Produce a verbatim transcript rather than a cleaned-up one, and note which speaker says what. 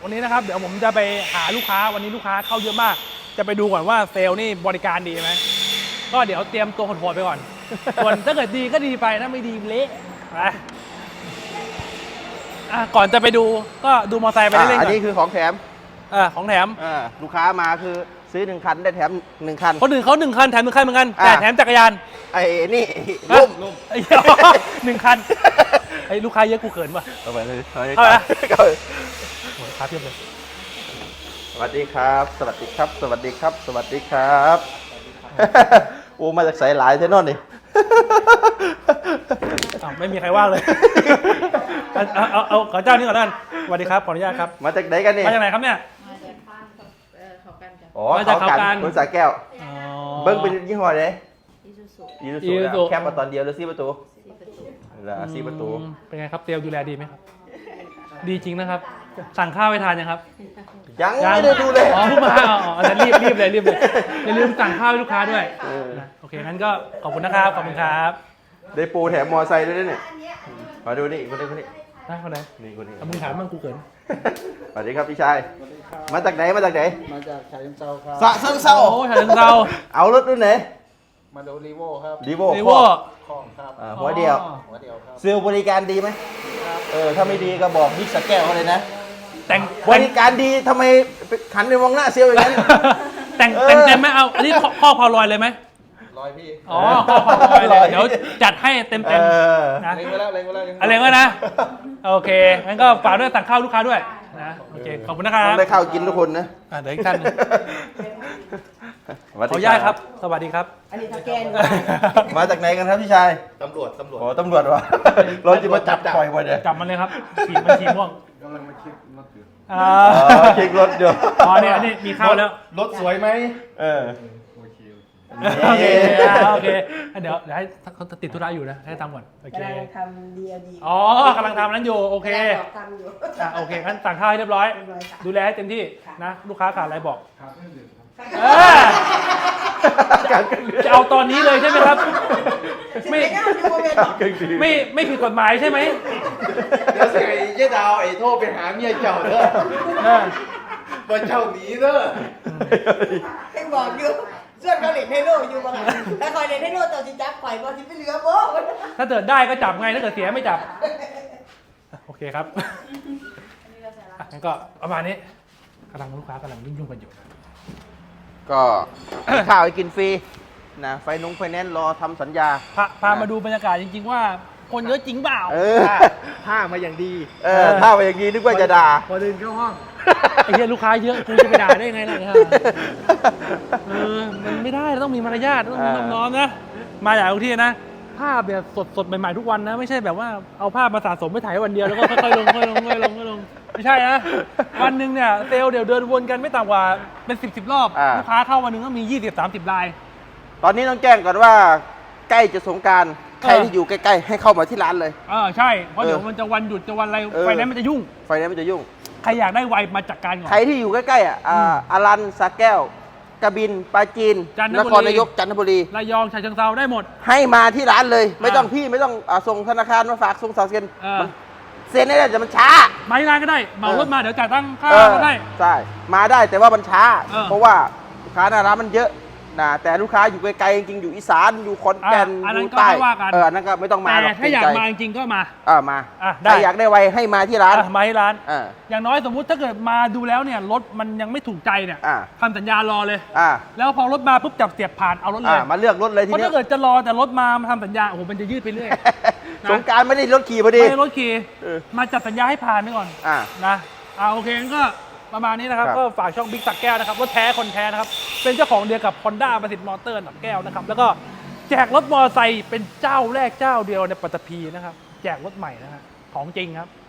Speaker 1: วันนี้นะครับเดี๋ยวผมจะไปหาลูกค้าวันนี้ลูกค้าเข้าเยอะมากจะไปดูก่อนว่าเซลล์นี่บริการดีไหมก็เดี๋ยวเตรียมตัวโหดๆไปก่อนส่วนถ้าเกิดดีก็ดีไปถ้าไม่ดีเละไปอ่ะก่อนจะไปดูก็ดูมอเตอร์ไซค์ไปเรื่อยๆก่อน
Speaker 2: อันนี้คือของแถม
Speaker 1: เออของแถม
Speaker 2: อ่าลูกค้ามาคือซื้อหนึ่งคันได้แถมหนึ่งคัน
Speaker 1: คนอื่นเขาหนึ่งคันแถมหนึ่งคันเหมือนกัน
Speaker 2: อ่ะ
Speaker 1: แต่แถมจักรยาน
Speaker 2: ไอ้นี่
Speaker 1: ฮะ
Speaker 2: ล่ม
Speaker 1: ไอ้หนึ่งคันไอ้ลูกค้าเยอะกูเขินป่ะ
Speaker 2: เอาไปเลย
Speaker 1: เอาไปนะ
Speaker 2: เอาไป
Speaker 1: โอ้ยครับเพียบเลย
Speaker 2: สวัสดีครับ สวัสดีครับ สวัสดีครับ สวัสดีครับ โอ้มาจากสายหลายเท่นอนนี่
Speaker 1: อ้าวไม่มีใครว่างเลยเอาเอาเอาเอาขอเจ้านี้ก่อนนั่นสวัสดีครับขออนุญาตครับ
Speaker 2: มาจากไหนกันนี่
Speaker 1: มาจากไหนครับเนี่ย
Speaker 3: มาจากบ้านเอ่อเขากันจ้ะ
Speaker 2: อ๋อ
Speaker 1: มาจากเขากัน
Speaker 2: คนสายแก้ว
Speaker 1: อ๋อ
Speaker 2: เบิ้งเป็นยี่ห้อไหน
Speaker 3: อิซูซุ
Speaker 2: อีซู
Speaker 1: อีซูซุ
Speaker 2: ซูแคปมาตอนเดียวหรือซี่ประตู
Speaker 3: สี่ประตู
Speaker 2: หรือซี่ประตู
Speaker 1: อืมเป็นไงครับเซลล์ดูแลดีไหมครับ ดีจริงนะครับ สั่งข้าวไปทานยังครับ
Speaker 2: ยังไม่ได้ดูเลย
Speaker 1: อ๋อเพิ่งมาอ๋ออ๋อแต่รีบรีบเลยรีบเลยอย่าลืมสั่งข้าวให้ลูกค้าด้วย
Speaker 2: เออ
Speaker 1: นะโอเคงั้นก็ขอบคุณนะครับขอบคุณครับ
Speaker 2: ได้ปูแถมมอไซค์ด้วยนะเนี่ยมาดูนี่คนนี้คนนี้
Speaker 1: นะคนไหน
Speaker 2: นี่คนนี้
Speaker 1: เอามึงถามมั่งกูเขิน
Speaker 2: สวัสดีครับพี่ชาย มาจากไหนมาจากไหน
Speaker 4: มาจากฉะเชิงเทราครับ
Speaker 2: สะเชิงเซา
Speaker 1: โอ้ยฉะเชิงเทรา
Speaker 2: เอารถรุ่นไหน
Speaker 4: มาดูรีโวครับ
Speaker 2: รีโว
Speaker 1: รีโว
Speaker 4: คล่องครับ
Speaker 2: หัวเดียว
Speaker 1: อ๋อ
Speaker 4: หัวเดียวครับ
Speaker 2: เซลล์บริการดีไหมเออถ้าไม่ดีก็บอกบิ๊กสแก้วเขาเลยนะ
Speaker 1: แต่ง
Speaker 2: บริการดีทำไมขันไปมองหน้าเซลล์อย่างนั้น
Speaker 1: แต่ง
Speaker 2: เออ
Speaker 1: แต่งเต็มไหมเอาอันนี้ข้อข้อพอลอยเลยไหม
Speaker 4: ร้อยพี่
Speaker 1: อ๋อข้อพอลอยเลยเดี๋ยวจัดให้เต็ม
Speaker 2: เอ
Speaker 1: เต็ม
Speaker 2: อ
Speaker 1: นะ
Speaker 4: เล็งไว้แล้วเล็งไว้แล้ว
Speaker 1: อะไรก็นะโอเคงั้นก็ฝากด้วยสั่งข้าวลูกค้าด้วยนะโอเคขอบคุณนะครับ
Speaker 2: ต้องได้ข้าวกินทุกคนนะ
Speaker 1: อ่ะเดี๋ยวอีกท่านหนึง
Speaker 2: สวัส
Speaker 1: ขอ
Speaker 2: ดี
Speaker 1: อนุญาตครับ สวัสดีครับ
Speaker 3: อันนี้ทาแกน
Speaker 2: มาจากไหนกันครับพี่ชาย
Speaker 4: ตำรวจตำรวจ
Speaker 2: โอ้ตำรวจวะเราจะมาจับปล่อยวันเนี่ย
Speaker 1: จับมันเลยครับฉีกมันฉีกม่วง
Speaker 4: กำลังมาคิดรถอยู่
Speaker 1: อ่า
Speaker 2: อ๋อคลิกรถเดี๋ยว
Speaker 1: อ๋อเนี่ยอันนี้มีข้าวแล้ว
Speaker 4: รถสวยไหม
Speaker 2: เออ
Speaker 4: โอเค
Speaker 1: โอเคอ่าโอเคเดี๋ยวเดี๋ยวให้เขาติดธุระอยู่นะให้ทำก่อนโอเค
Speaker 3: กำลังทำดีเอดี
Speaker 1: อ๋อกำลังทำนั้นอยู่โอเค
Speaker 3: กำลังทำอยู่
Speaker 1: อ่ะโอเคงั้นสั่งข้าวให้เรียบร้อย
Speaker 3: เรียบร้อยค่ะ
Speaker 1: ดูแลให้เต็มที่นะลูกค้าขาดอะไรบอก
Speaker 4: ครับไม่ดื่มครับ
Speaker 1: เออจะเอาตอนนี้เลยใช่ไหมครับ ไม่
Speaker 3: ไม่ได้ดูโมเมนต์หรอก
Speaker 1: ไม่ไม่ผิดกฎหมายใช่ไหม
Speaker 4: เดี๋ยวสิไอ้เจ๊ดาวไอ้โทรไปหาเมียเจ้าเด้อ
Speaker 1: เออ
Speaker 4: ว่าเจ้าหนีเด้อ
Speaker 3: ให้บอกอยู่ส่วนเขาเล่นให้โลอยู่บ้างถ้าคอยเล่นให้โลตัวจิจับข่อยบอลที่ไม่เหลือโบ้
Speaker 1: ถ้าเกิดได้ก็จับไงถ้าเกิดเสียไม่จับโอเคครับอ่ะงั้นก็ประมาณนี้กำลังลูกค้ากำลังยุ่งๆกันอยู่
Speaker 2: ก็ข้าวให้กินฟรีนะไฟนุ้งไฟแนนซ์รอทำสัญญา
Speaker 1: พาพามาดูบรรยากาศจริงๆว่าคนเยอะจริงเปล่า
Speaker 2: เออ
Speaker 4: ผ้ามาอย่างดี
Speaker 2: เออถ้าไปอย่างนี้นึกว่าจะด่า
Speaker 4: พอเดินเข้าห้อง
Speaker 1: ไอ้เหี้ยลูกค้าเยอะกูจะไปด่าได้ไงล่ะเนี่ยเออมันไม่ได้เราต้องมีมารยาทต้องมีน้อมน้อมนะมาอย่างทุกที่นะภาพเนี่ยสดสดๆใหม่ๆทุกวันนะไม่ใช่แบบว่าเอาภาพมาสะสมไปถ่ายวันเดียวแล้วก็ค่อยๆลงค่อยๆลงค่อยๆลงค่อยๆลงไม่ใช่นะวันหนึ่งเนี่ยเซลล์เดี๋ยวเดินวนกันไม่ต่ำกว่าเป็นสิบสิบรอบ
Speaker 2: อ่า
Speaker 1: ลูกค้าเข้าวันหนึ่งก็มียี่สิบสามสิบราย
Speaker 2: ตอนนี้ต้องแจ้งก่อนว่าใกล้จะสงกรารใคร
Speaker 1: เออ
Speaker 2: ที่อยู่ใกล้ๆให้เข้ามาที่ร้านเลย
Speaker 1: เออใช่เพราะ
Speaker 2: เออ
Speaker 1: เดี๋ยวมันจะวันหยุดจะวันอะไร
Speaker 2: เออ
Speaker 1: ไฟแนนซ์มันจะยุ่ง
Speaker 2: ไฟแนนซ์มันจะยุ่ง
Speaker 1: ใครอยากได้ไวมาจัดการก่อน
Speaker 2: ใครที่อยู่ใกล้ๆอ่ะอ่าอารันสระแก้วกระบินปราจีน
Speaker 1: จันท
Speaker 2: น
Speaker 1: บุรี
Speaker 2: ครนายกจันทบุรี
Speaker 1: ระยองฉะเชิงเทราได้หมด
Speaker 2: ให้มาที่ร้านเลย ไม่
Speaker 1: อ่า
Speaker 2: ต้องพี่ไม่ต้องอาส่งธนาคารมาฝากส่งสาวเซ็น
Speaker 1: เออ
Speaker 2: มันเซ็นได้แต่มันช้า
Speaker 1: มาที่ร้านก็ได้เหมารถมาเดี๋ยวจ่ายตังค่า
Speaker 2: เออ
Speaker 1: ก็ได้
Speaker 2: ใช่มาได้แต่ว่ามันช้า
Speaker 1: เออ
Speaker 2: เพราะว่าลูกค้าหน้าร้านมันเยอะนะแต่ลูกค้าอยู่ไกลๆจริงๆอยู่อีสานอยู่ขอนแก่น
Speaker 1: อ่ะอัน
Speaker 2: อ
Speaker 1: นั้น
Speaker 2: ยู่
Speaker 1: ก็
Speaker 2: ใต้
Speaker 1: ไม่ว่ากัน
Speaker 2: เอออันนั้นก็ไม่ต้องมา
Speaker 1: แต่
Speaker 2: หรอก
Speaker 1: ถ้าอยาก
Speaker 2: เกรงใจ
Speaker 1: มาจริงๆก็มา
Speaker 2: อ่ามา
Speaker 1: อ่ะได้
Speaker 2: ใครอยากได้ไวให้มาที่ร้าน
Speaker 1: อ่ะมาที่ร้าน
Speaker 2: อ่า
Speaker 1: อย่างน้อยสมมุติถ้าเกิดมาดูแล้วเนี่ยรถมันยังไม่ถูกใจเนี่ย
Speaker 2: อ่า
Speaker 1: ทำสัญญารอเลย
Speaker 2: อ่า
Speaker 1: แล้วพอรถมาปุ๊บจับเสียบผ่านเอารถเล
Speaker 2: อ่าย มาเลือกรถเลยที
Speaker 1: เพราะ
Speaker 2: นี้
Speaker 1: ถ้าเกิดจะรอแต่รถมามาทำสัญญาโอ้โหมันจะยืดไปเรื่อย นะ
Speaker 2: สงกรารไม่ได้รถขี่พอดี
Speaker 1: ไม่ให้รถขี่
Speaker 2: เออ
Speaker 1: มาจัดสัญญาให้ผ่านไปก่อน
Speaker 2: อ่า
Speaker 1: นะอ่าโอเคงั้นก็ประมาณนี้นะครับ
Speaker 2: ครับ
Speaker 1: ก็ฝากช่องบิ๊กสักแก้วนะครับรถแท้คนแท้นะครับเป็นเจ้าของเดียวกับ Honda ประสิทธิ์มอเตอร์สักแก้วนะครับแล้วก็แจกรถมอเตอร์ไซค์เป็นเจ้าแรกเจ้าเดียวในปัตตภีนะครับแจกรถใหม่นะฮะของจริงครับ